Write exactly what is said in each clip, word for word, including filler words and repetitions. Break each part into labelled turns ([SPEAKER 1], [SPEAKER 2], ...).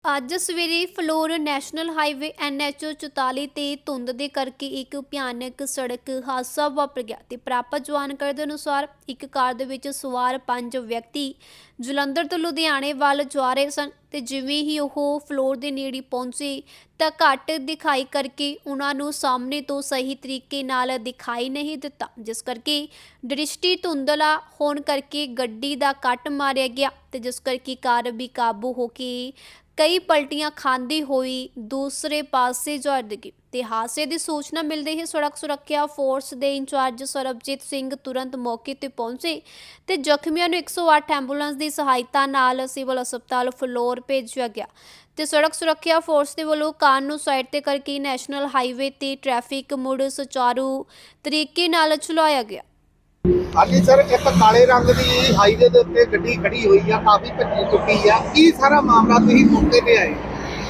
[SPEAKER 1] ਅੱਜ ਸਵੇਰੇ Phillaur national highway N H ਚੁਤਾਲੀ ਤੇ ਧੁੰਦ ਦੇ ਕਰਕੇ ਇੱਕ ਭਿਆਨਕ ਸੜਕ ਹਾਦਸਾ ਵਾਪਰ ਗਿਆ ਤੇ ਪ੍ਰਾਪਤ ਜਾਣਕਾਰੀ ਦੇ ਅਨੁਸਾਰ ਇੱਕ ਕਾਰ ਦੇ ਵਿੱਚ ਸਵਾਰ ਪੰਜ ਵਿਅਕਤੀ ਜਲੰਧਰ ਤੋਂ ਲੁਧਿਆਣੇ ਵੱਲ ਜਾ ਰਹੇ ਸਨ ਤੇ ਜਿਵੇਂ ਹੀ ਉਹ ਫਲੋਰ ਦੇ ਨੇੜੇ ਪਹੁੰਚੇ ਤਾਂ ਘੱਟ ਦਿਖਾਈ ਕਰਕੇ ਉਹਨਾਂ ਨੂੰ ਸਾਹਮਣੇ ਤੋਂ ਸਹੀ ਤਰੀਕੇ ਨਾਲ ਦਿਖਾਈ ਨਹੀਂ ਦਿੱਤਾ, ਜਿਸ ਕਰਕੇ ਦ੍ਰਿਸ਼ਟੀ ਧੁੰਦਲਾ ਹੋਣ ਕਰਕੇ ਗੱਡੀ ਦਾ ਕੱਟ ਮਾਰਿਆ ਗਿਆ ਤੇ ਜਿਸ ਕਰਕੇ ਕਾਰ ਵੀ ਕਾਬੂ ਹੋ ਕੇ ਕਈ ਪਲਟੀਆਂ ਖਾਂਦੀ ਹੋਈ ਦੂਸਰੇ ਪਾਸੇ ਜਾ ਡਿੱਗੀ ਤੇ ਹਾਦਸੇ ਦੀ ਸੂਚਨਾ ਮਿਲਦੇ ਹੀ ਸੜਕ ਸੁਰੱਖਿਆ ਫੋਰਸ ਦੇ ਇੰਚਾਰਜ ਸਰਬਜੀਤ ਸਿੰਘ ਤੁਰੰਤ ਮੌਕੇ ਤੇ ਪਹੁੰਚੇ ਤੇ ਜ਼ਖਮੀਆਂ ਨੂੰ ਇੱਕ ਸੌ ਅੱਠ ਐਂਬੂਲੈਂਸ ਦੀ ਸਹਾਇਤਾ ਨਾਲ ਸਿਵਲ ਹਸਪਤਾਲ ਫਲੋਰ ਭੇਜਿਆ ਗਿਆ ਤੇ ਸੜਕ ਸੁਰੱਖਿਆ ਫੋਰਸ ਦੇ ਵੱਲੋਂ ਕਾਰ ਨੂੰ ਸਾਈਡ ਤੇ ਕਰਕੇ ਨੈਸ਼ਨਲ ਹਾਈਵੇ ਤੇ ਟ੍ਰੈਫਿਕ ਮੁੜ ਸੁਚਾਰੂ ਤਰੀਕੇ ਨਾਲ ਚਲਾਇਆ ਗਿਆ।
[SPEAKER 2] ਹਾਂਜੀ ਸਰ, ਇੱਕ ਕਾਲੇ ਰੰਗ ਦੀ ਹਾਈਵੇ ਦੇ ਉੱਤੇ ਗੱਡੀ ਖੜੀ ਹੋਈ ਆ, ਕਾਫੀ ਭੱਜੀ ਚੁੱਕੀ ਆ। ਕੀ ਸਾਰਾ ਮਾਮਲਾ ਤੁਸੀਂ ਮੌਕੇ ਤੇ ਆਏ?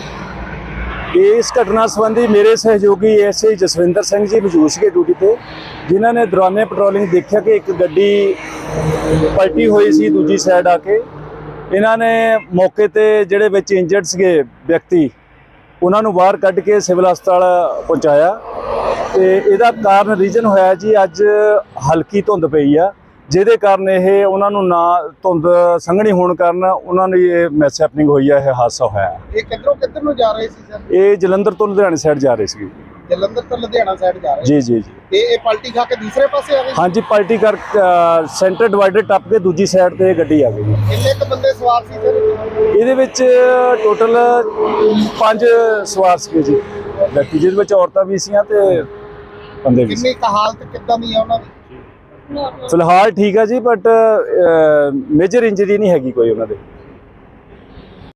[SPEAKER 3] ਇਸ ਘਟਨਾ ਸੰਬੰਧੀ ਮੇਰੇ ਸਹਿਯੋਗੀ ਐਸਆਈ ਜਸਵਿੰਦਰ ਸਿੰਘ ਜੀ ਮੌਜੂਦ ਸੀਗੇ ਡਿਊਟੀ ਤੇ, ਜਿਨ੍ਹਾਂ ਨੇ ਦੌਰਾਨੇ ਪੈਟਰੋਲਿੰਗ ਦੇਖਿਆ ਕਿ ਇੱਕ ਗੱਡੀ ਪਲਟੀ ਹੋਈ ਸੀ ਦੂਜੀ ਸਾਈਡ ਆ ਕੇ। ਇਹਨਾਂ ਨੇ ਮੌਕੇ ਤੇ ਜਿਹੜੇ ਵਿੱਚ ਇੰਜਰਡ ਸੀਗੇ ਵਿਅਕਤੀ ਉਹਨਾਂ ਨੂੰ ਬਾਹਰ ਕੱਢ ਕੇ ਸਿਵਲ ਹਸਪਤਾਲ ਪਹੁੰਚਾਇਆ ਤੇ ਇਹਦਾ ਕਾਰਨ ਰੀਜਨ ਹੋਇਆ ਜੀ ਅੱਜ ਹਲਕੀ ਧੁੰਦ ਪਈ ਆ, ਜਿਹਦੇ ਕਾਰਨ ਇਹ ਉਹਨਾਂ ਨੂੰ ਨਾ ਧੁੰਦ ਸੰਘਣੀ ਹੋਣ ਕਾਰਨ ਉਹਨਾਂ ਨੂੰ ਇਹ ਮਿਸ ਹੈਪਨਿੰਗ ਹੋਈ ਆ, ਇਹ ਹਾਦਸਾ ਹੋਇਆ।
[SPEAKER 2] ਇਹ ਕਿੱਧਰੋਂ ਕਿੱਧਰ ਨੂੰ ਜਾ ਰਹੇ ਸੀ ਸਰ?
[SPEAKER 3] ਇਹ ਜਲੰਧਰ ਤੋਂ ਲੁਧਿਆਣੇ ਸਾਈਡ ਜਾ ਰਹੇ ਸੀ।
[SPEAKER 2] ਜਲੰਧਰ ਤੋਂ ਲੁਧਿਆਣਾ ਸਾਈਡ ਜਾ ਰਹੇ
[SPEAKER 3] ਜੀ ਜੀ ਜੀ
[SPEAKER 2] ਤੇ ਇਹ ਪਲਟੀ ਖਾ ਕੇ ਦੂਸਰੇ ਪਾਸੇ ਆ ਗਏ?
[SPEAKER 3] ਹਾਂਜੀ, ਪਲਟੀ ਕਰ ਸੈਂਟਰ ਡਿਵਾਈਡਰ ਟੱਪ ਕੇ ਦੂਜੀ ਸਾਈਡ ਤੇ ਗੱਡੀ ਆ ਗਈ।
[SPEAKER 2] ਕਿੰਨੇ ਕੁ ਬੰਦੇ ਸਵਾਰ ਸੀ ਸਰ
[SPEAKER 3] ਇਹਦੇ ਵਿੱਚ ਟੋਟਲ ਪੰਜ ਸਵਾਰ ਸੀਗੇ ਜੀ ਵਿਅਕਤੀ, ਜਿਹਦੇ ਵਿੱਚ ਔਰਤਾਂ ਵੀ ਸੀਆਂ ਤੇ ਬੰਦੇ ਵੀ ਸੀ।
[SPEAKER 2] ਕਿੰਨੀ ਕੁ ਹਾਲਤ ਕਿੱਦਾਂ ਦੀ ਆ ਉਹਨਾਂ ਦੀ?
[SPEAKER 3] ਫਿਲਹਾਲ ਠੀਕ ਆ ਜੀ, ਬਟ ਮੇਜਰ ਇੰਜਰੀ ਨਹੀਂ ਹੈਗੀ ਕੋਈ ਉਹਨਾਂ ਦੇ।